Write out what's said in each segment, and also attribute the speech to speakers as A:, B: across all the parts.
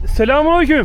A: Selamünaleyküm.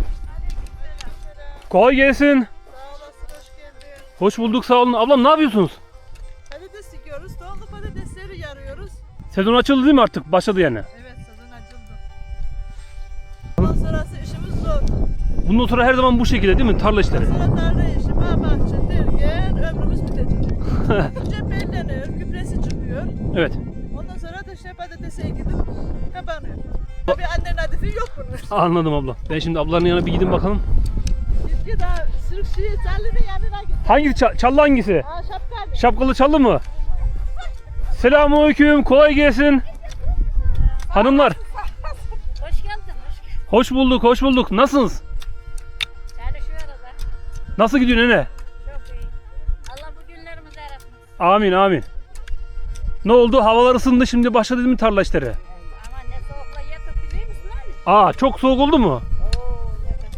A: Kolay gelsin.
B: Sağ olasın, hoş geldin.
A: Hoş bulduk, sağ olun. Ablam ne yapıyorsunuz?
B: Patates dikiyoruz, tohumlu patatesleri yarıyoruz.
A: Sezon açıldı değil mi artık? Başladı yani.
B: Evet, sezon açıldı. Ondan sonrası işimiz zor.
A: Bundan sonra her zaman bu şekilde değil mi? Tarla işleri.
B: Sonra tarla işi, bağ bahçe derken ömrümüz bitecek. Önce belleniyor, gübresi çıkıyor.
A: Evet.
B: Ondan sonra da işte patatese gidip kapanıyor. Tabii annenin hadifi yok bunun.
A: Anladım abla. Ben şimdi ablaların yanına bir gidin bakalım.
B: Gitki daha sürükçüyü Sallı'nın yanına git.
A: Hangisi? Çallı hangisi?
B: Aa, şapkalı.
A: Şapkalı çallı mı? Selamünaleyküm. Kolay gelsin. Hanımlar.
C: Hoş geldin, hoş geldin.
A: Hoş bulduk, hoş bulduk. Nasılsınız?
C: Yani şu arada
A: Nasıl gidiyor nene?
C: çok iyi. Allah bu günlerimizi yaratmasın.
A: Amin, amin. Ne oldu? Havalar ısındı, şimdi başladı değil mi tarla işleri?
C: Ama ne soğukla yatıp biliyor musun hani?
A: Çok soğuk oldu mu?
C: Oo, evet.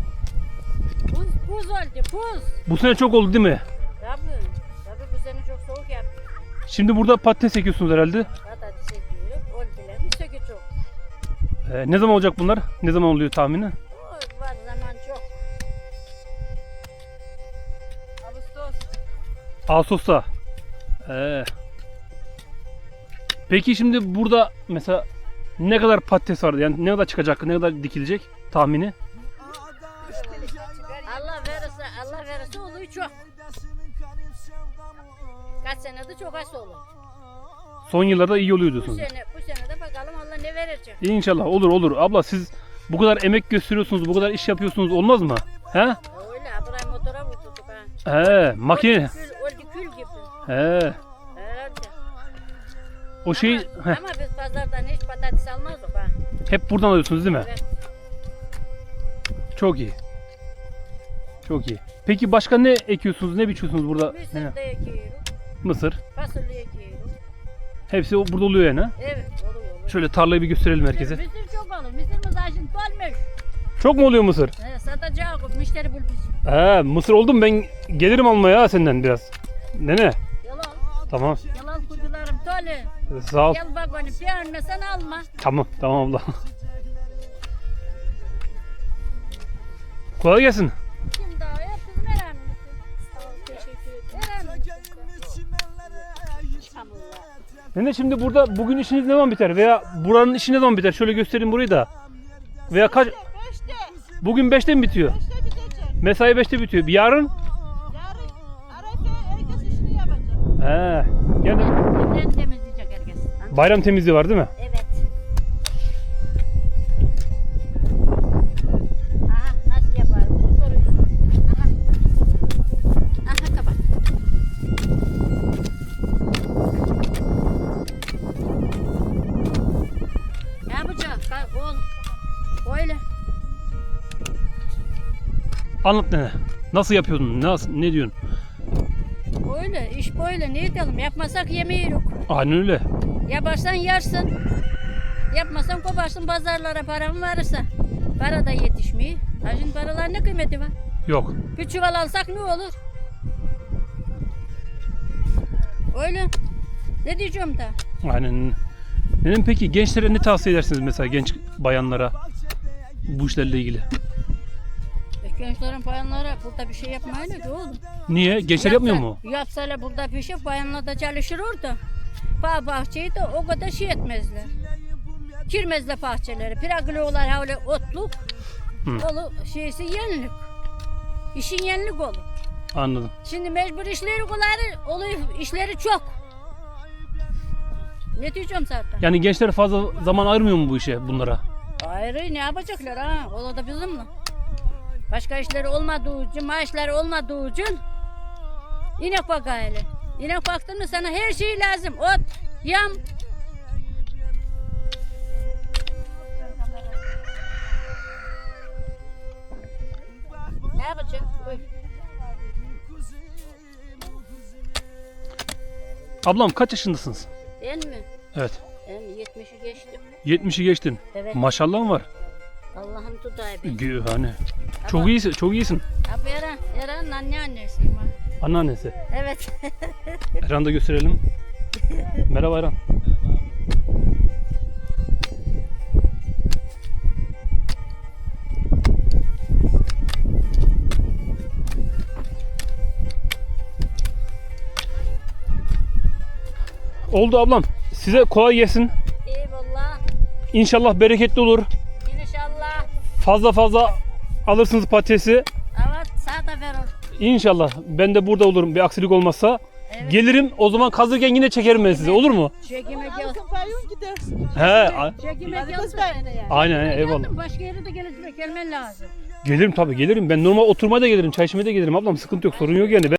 C: Buz oldu, buz.
A: Bu sene çok oldu değil mi?
C: Tabii bu sene çok soğuk yaptı.
A: Şimdi burada patates ekiyorsunuz herhalde.
C: Patates ekiyoruz, oldular, bir sökü çok.
A: Ne zaman olacak bunlar? Ne zaman oluyor tahmini?
C: O var zaman çok.
B: Ağustos.
A: Ağustos'ta. Peki şimdi burada mesela ne kadar patates var? Yani ne kadar çıkacak, ne kadar dikilecek tahmini?
C: Allah verirse oluyor çok. Kaç senede çok az olur.
A: Son yıllarda iyi oluyor
C: Bu
A: diyorsunuz.
C: sene de bakalım Allah ne verecek.
A: İnşallah olur olur. Abla siz bu kadar emek gösteriyorsunuz, bu kadar iş yapıyorsunuz olmaz mı? He?
C: Öyle, buraya motora vurduk ha.
A: Makine.
C: Oldu kül gibi.
A: He.
C: Herhalde.
A: O şey
C: Ama biz pazardan hiç patates almazdık ha.
A: hep buradan alıyorsunuz değil mi?
C: Evet.
A: Çok iyi. Çok iyi. Peki başka ne ekiyorsunuz, ne biçiyorsunuz burada?
C: Mısır
A: Nene?
C: da ekiyoruz.
A: Mısır.
C: Fasulye ekiyoruz.
A: Hepsi burada oluyor yani.
C: Evet, oluyor.
A: Şöyle tarlayı bir gösterelim herkese.
C: Mısır çok olur. Mısırımız şimdi dolmuş.
A: Çok mu oluyor mısır?
C: Satacağız. Müşteri bul bizi.
A: Mısır oldu mu? Ben gelirim almaya senden biraz. Nene.
C: Yalan.
A: Tamam.
C: Yalan kuzularım dolu.
A: Sağ ol.
C: Gel bak onu bir önüne sen alma.
A: Tamam abla. Kolay gelsin.
C: Kim daha hep bizim öğrenmesi. Sağ ol, teşekkür ederim.
A: Nene şimdi burada bugün işiniz ne zaman biter? Veya buranın işi ne zaman biter? Şöyle göstereyim burayı da. Veya kaç?
B: 5'te.
A: Bugün 5'te mi bitiyor?
B: 5'te bitecek.
A: Mesai 5'te bitiyor. Yarın?
B: Yarın Arefe herkes işini yapacak.
A: Yani
C: Bizden temizleyecek herkes.
A: bayram temizliği var değil mi?
C: Evet. Aha nasıl yapar? Bunu soruyorsun. Aha. Aha kapat. Ne yapacak? Oğlum. Öyle.
A: Anlat nene. Nasıl yapıyordun? Ne diyorsun?
C: Öyle. İş böyle. Ne edelim? Yapmasak yemeği yok.
A: Aynen öyle.
C: Yaparsan yersin. Yapmasan koparsın pazarlara paran varsa. Para da yetişmiyor. Ha şimdi paralar ne kıymeti var?
A: Yok.
C: Bir çuval alsak ne olur? Öyle. Ne diyeceğim da?
A: Aynen. Nenem peki gençlere ne tavsiye edersiniz mesela genç bayanlara bu işlerle ilgili?
C: Gençlerin bayanlara burada bir şey yapmayın ki oğlum.
A: Niye? Gençler yapmıyor mu?
C: Yapsalar burada bir şey bayanlar da çalışır orada. Bağ bahçeyi de o kadar şey etmezler. Girmezler bahçeleri. Piraglolar öyle otluk. Dolu şeysi yenilik. İşin yenilik olur.
A: Anladım.
C: Şimdi mecbur işleri oluyor. İşleri çok. Ne diyeceğim zaten?
A: Yani gençler fazla zaman ayırmıyor mu bu işe bunlara?
C: Ayrı ne yapacaklar ha? O da bizimle. Başka işleri olmadığı için, maaşları olmadığı için inek bak aile. İnek baktın mı sana her şey lazım. Ot, yam. Ne yapacaksın? Buyur.
A: Ablam kaç yaşındasınız?
C: Ben mi?
A: Evet.
C: Ben 70'i geçtim.
A: 70'i geçtin.
C: Evet.
A: Maşallah var.
C: Allah'ım tutay beni.
A: Hani. Çok iyisin, çok iyisin.
C: Abi Eren anneannesiyim ha.
A: Anneannesi.
C: Evet.
A: Erhan'ı da gösterelim. Merhaba Erhan. Oldu ablam. Size kolay gelsin.
C: Eyvallah.
A: İnşallah bereketli olur.
C: İnşallah.
A: Fazla fazla alırsınız patatesi.
C: Evet, sağ da verir.
A: İnşallah. Ben de burada olurum bir aksilik olmazsa.
C: Evet.
A: Gelirim o zaman kazırken yine çekerim ben size, olur mu?
C: Çekime gel.
B: Halkın payın gidersin.
C: Çekime
B: Hadi
C: gel.
B: kız benimle yani.
A: Aynen eyvallah.
C: Başka yere de gelmen lazım.
A: Gelirim tabii gelirim. Ben normal oturmaya da gelirim, çay içmeye de gelirim ablam. Sıkıntı yok, sorun yok yani.